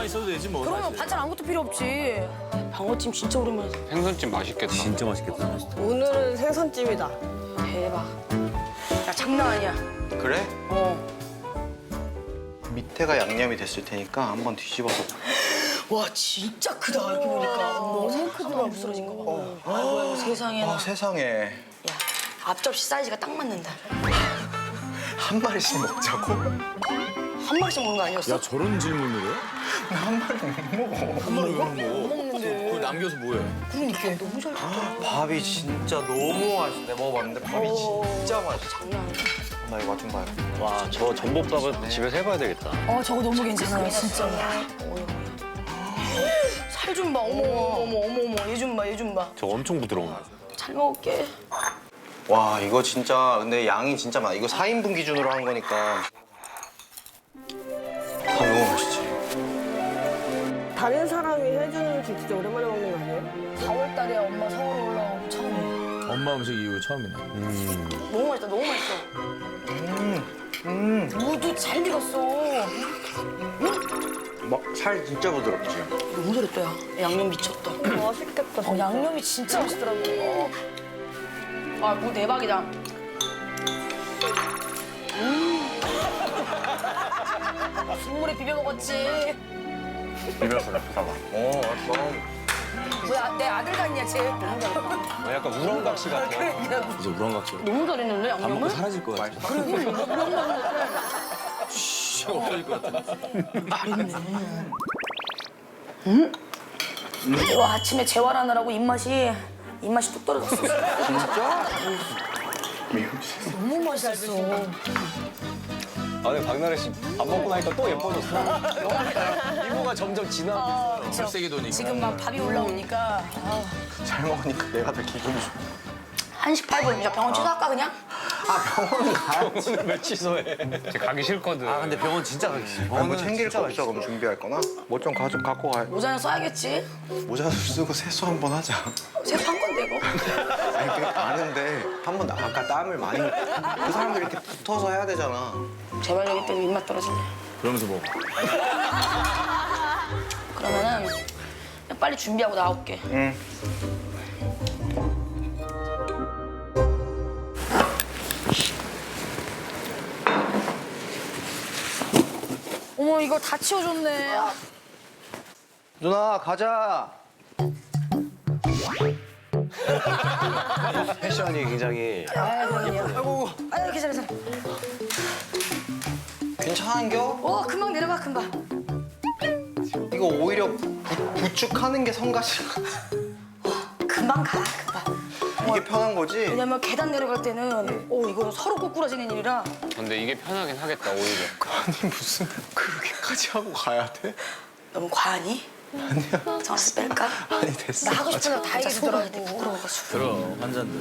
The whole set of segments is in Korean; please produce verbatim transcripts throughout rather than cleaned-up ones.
있어도 되지 뭐. 그러면 사실. 반찬 아무것도 필요 없지. 방어찜 진짜 오랜만에. 생선찜 맛있겠다. 진짜 맛있겠다. 오늘은 생선찜이다. 대박. 야 장난 아니야. 그래? 어. 밑에가 양념이 됐을 테니까 한번 뒤집어서. 와 진짜 크다 이렇게 보니까. 어머 너무 크더라고. 부스러진 거 봐. 아이고 아이고 세상에나. 아 세상에. 야 앞접시 사이즈가 딱 맞는다. 한 마리씩 먹자고? 한 마리씩 먹는 거 아니었어? 야 저런 질문을 해? 한 마리 못 먹어. 한 마리 왜 먹어? 먹는데. 그걸 남겨서 뭐해? 그러니까 너무 잘 됐다. 밥이 진짜 너무 맛있어. 내가 먹어봤는데 밥이 진짜 맛있어. 장난 아니야. 나 이거 맛 좀 봐요. 와, 저 전복밥은 집에서 해봐야 되겠다. 어 저거 너무 괜찮아요 진짜. 살 좀 봐. 어머 어머 어머 어머 얘 좀 봐 얘 좀 봐. 저 엄청 부드러운. 잘 먹을게. 와 이거 진짜 근데 양이 진짜 많아. 이거 사 인분 기준으로 한 거니까. 다 너무 맛있지. 다른 사람이 해주는 음식 진짜 오랜만에 먹는 거 아니에요? 사월 달에 엄마 서울 올라오고 처음이야. 엄마 음식 이후 처음이네. 너무 맛있다 너무 맛있어. 음. 무도 잘 익었어. 살 진짜 부드럽지. 너무 잘했다 야. 양념 미쳤다. 맛있겠다. 어, 양념이 진짜 맛있더라고. 어. 아, 무 대박이다. 음. 국물에 비벼 먹었지. 비벼서 잡숴봐. 어 맛있어. 뭐야, 내 아들 같냐, 쟤. 너무 잘했다. 어, 약간 우렁각시 같아. 그러니까 이제 우렁각시. 너무 잘했는데, 밥 먹고 양념을? 사라질 것 같아. 씨, 없어질 것 같아. 음? 와, 아침에 재활하느라고 입맛이, 입맛이 뚝 떨어졌어. 진짜? 너무 맛있었어. 아, 근데 박나래 씨 밥 먹고 나니까 또 예뻐졌어. 이모가 점점 진하고. 아, 그쵸. 혈색이 도니까. 지금 막 밥이 올라오니까. 아, 잘 먹으니까 내가 더 기분이 좋아. 한시 팔 분이야. 병원 취소할까, 그냥? 아 병원 가야지. 오늘 왜 취소해? 쟤 가기 싫거든. 아 근데 병원 진짜 가기 싫어. 뭐 챙길 거 없어? 그럼 준비할 거나? 뭐 좀 가져 갖고 가. 모자는 써야겠지. 모자 쓰고 세수 한번 하자. 세수한 건데, 이거. 아니 그러니까 아는데 한 번 아까 땀을 많이 그 사람들 이렇게 붙어서 해야 되잖아. 제발 여기 때문에 입맛 떨어지네. 그러면서 뭐. 그러면은 그냥 빨리 준비하고 나올게. 응. 어머 이거 다 치워줬네. 누나 가자. 패션이 굉장히 아이고 아이고. 아이고 괜찮아 괜찮아. 괜찮은겨? 어 금방 내려가 금방. 이거 오히려 부, 부축하는 게 성가시. 금방 가 금방. 이게 편한 거지? 왜냐면 계단 내려갈 때는 어 이거 서로 꼬꾸라지는 일이라. 근데 이게 편하긴 하겠다, 오히려. 아니 무슨 그렇게까지 하고 가야 돼? 너무 과하니? 아니야. 전화해서 뺄까? 아니 됐어. 나 하고 싶은 거 다 얘기해주더라고. 부끄러워가지고. 그럼 환자인데.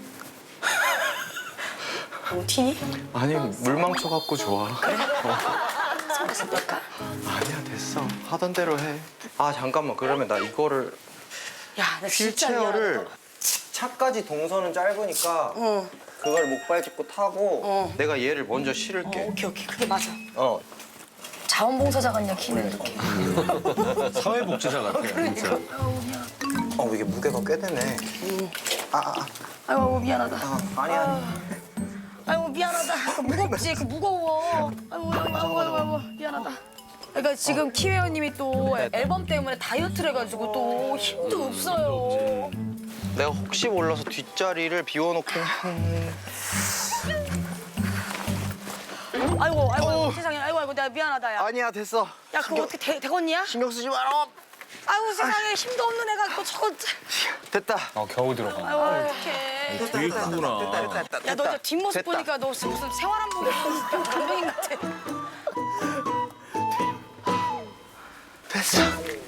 너무 티니? 아니 물망초 갖고 좋아. 전화해서 뺄까? 아니야 됐어. 하던 대로 해. 아 잠깐만 그러면 나 이거를 야나 진짜 휠체어를 미안하다. 차까지 동선은 짧으니까 응. 그걸 목발 짚고 타고 어. 내가 얘를 먼저 어, 실을게. 오케이 오케이 그게 맞아. 어. 자원봉사자 같냐 키는 이렇게. 사회복지사 같아. 진짜. 어 이게 무게가 꽤 되네. 아, 아, 아. 아이고 아이고, 미안하다. 아 아니야. 아이고 미안하다. 그 무겁지? 그 무거워. 아이고 아이고 아이고 아이고, 아이고 미안하다. 그러니까 지금 키웨어님이 또 앨범 때문에 다이어트를 해가지고 또 힘도 없어요. 내가 혹시 몰라서 뒷자리를 비워놓긴 했는데. 아이고 아이고 세상에 아이고 아이고 내가 미안하다 야. 아니야 됐어. 야 그거 어떻게 되, 되겠냐? 신경 쓰지 마라. 아이고 세상에 힘도 없는 애가 또 저거. 됐다. 어, 겨우 들어가. 아이고 어떡해. 되게 크구나. 됐다 됐다. 야 너 이제 뒷모습 됐다. 보니까 너 무슨 생활한복에 간병인 같아. 됐어.